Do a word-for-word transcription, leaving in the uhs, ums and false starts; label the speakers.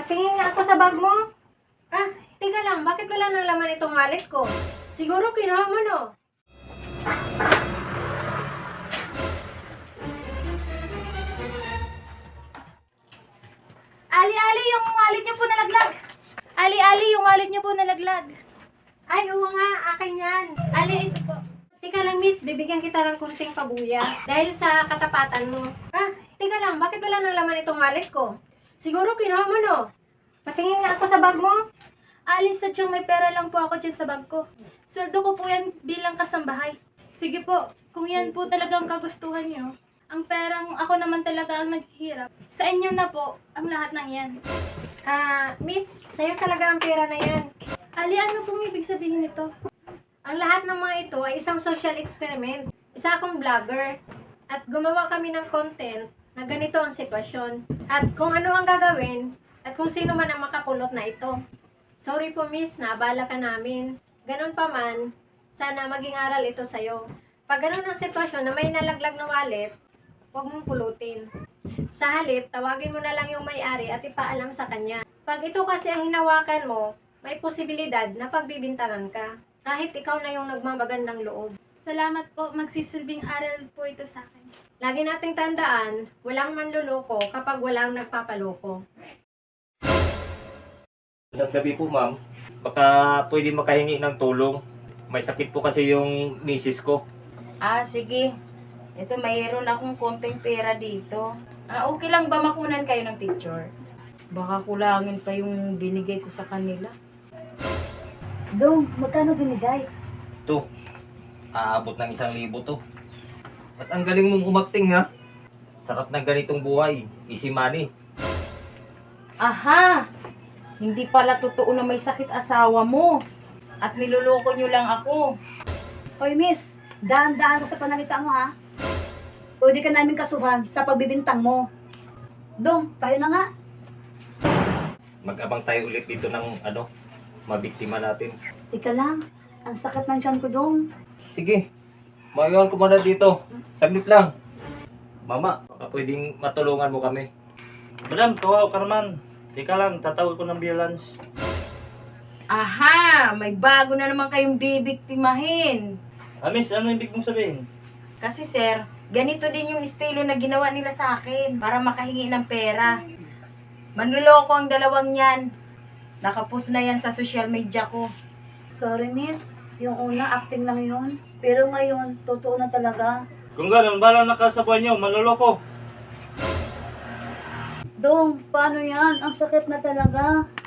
Speaker 1: Patingin nga ako sa bag mo. Ah, tika lang, bakit wala nang laman itong wallet ko? Siguro kinuha mo, no?
Speaker 2: Ali, Ali, yung wallet niyo po nalaglag. Ali, Ali, yung wallet niyo po nalaglag.
Speaker 1: Ay, oo nga, akin yan.
Speaker 2: Ali, ito po.
Speaker 1: Tika lang, miss, bibigyan kita ng kunting pabuya. Dahil sa katapatan mo. Ah, tika lang, bakit wala nang laman itong wallet ko? Siguro kinuha mo, no? Patingin nga ako sa bag mo.
Speaker 2: Ali, sadyang may pera lang po ako dyan sa bag ko. Sweldo ko po yan bilang kasambahay. Sige po, kung yan po talagang kagustuhan niyo, ang perang ako naman talaga ang naghihirap. Sa inyo na po ang lahat ng yan.
Speaker 1: Ah, miss, sa'yo talaga ang pera na yan.
Speaker 2: Ali, ano pong ibig sabihin nito?
Speaker 1: Ang lahat ng mga ito ay isang social experiment. Isa akong vlogger. At gumawa kami ng content na ganito ang sitwasyon. At kung ano ang gagawin, at kung sino man ang makakulot na ito. Sorry po miss, naabala ka namin. Ganon pa man, sana maging aral ito sa'yo. Pag ganon ang sitwasyon na may nalaglag na wallet, huwag mong pulutin. Sa halip, tawagin mo na lang yung may-ari at ipaalam sa kanya. Pag ito kasi ang hinawakan mo, may posibilidad na pagbibintangan ka. Kahit ikaw na yung nagmamagandang loob.
Speaker 2: Salamat po, magsisilbing aral po ito sa akin.
Speaker 1: Lagi nating tandaan, walang manluloko kapag walang nagpapaloko.
Speaker 3: Naggabi po ma'am, baka pwede makahingi ng tulong. May sakit po kasi yung misis ko.
Speaker 4: Ah, sige. Ito, mayroon akong konting pera dito. Ah, okay lang ba makunan kayo ng picture? Baka kulangin pa yung binigay ko sa kanila.
Speaker 5: Dong, magkano binigay?
Speaker 3: Ito, aabot ng isang libo to. At ang galing mong umakting ha. Sarap ng ganitong buhay, easy money.
Speaker 4: Aha! Hindi pala totoo na may sakit asawa mo. At niloloko nyo lang ako.
Speaker 5: Hoy miss, daan-daan ka sa panalita mo ha. Pwede ka namin kasuhan sa pagbibintang mo. Dong, tayo na nga.
Speaker 3: Mag-abang tayo ulit dito ng ano, mabiktima natin.
Speaker 5: Tika lang, ang sakit ng tiyan ko dong.
Speaker 3: Sige, maiwan ko muna dito. Saglit lang. Mama, baka pwedeng matulungan mo kami.
Speaker 6: Madam, kawaw ka naman. Teka lang, tatawag ko ng ambulance.
Speaker 4: Aha! May bago na naman kayong bibiktimahin.
Speaker 6: Ah, miss, ano ibig mong sabihin?
Speaker 4: Kasi sir, ganito din yung estilo na ginawa nila sa akin para makahingi ng pera. Manluloko ang dalawang yan. Nakapos na yan sa social media ko.
Speaker 5: Sorry miss, yung una acting lang yun. Pero ngayon, totoo na talaga.
Speaker 6: Kung gano'n, balang nakasabuhay niyo, manloloko.
Speaker 5: Dong, paano yan? Ang sakit na talaga.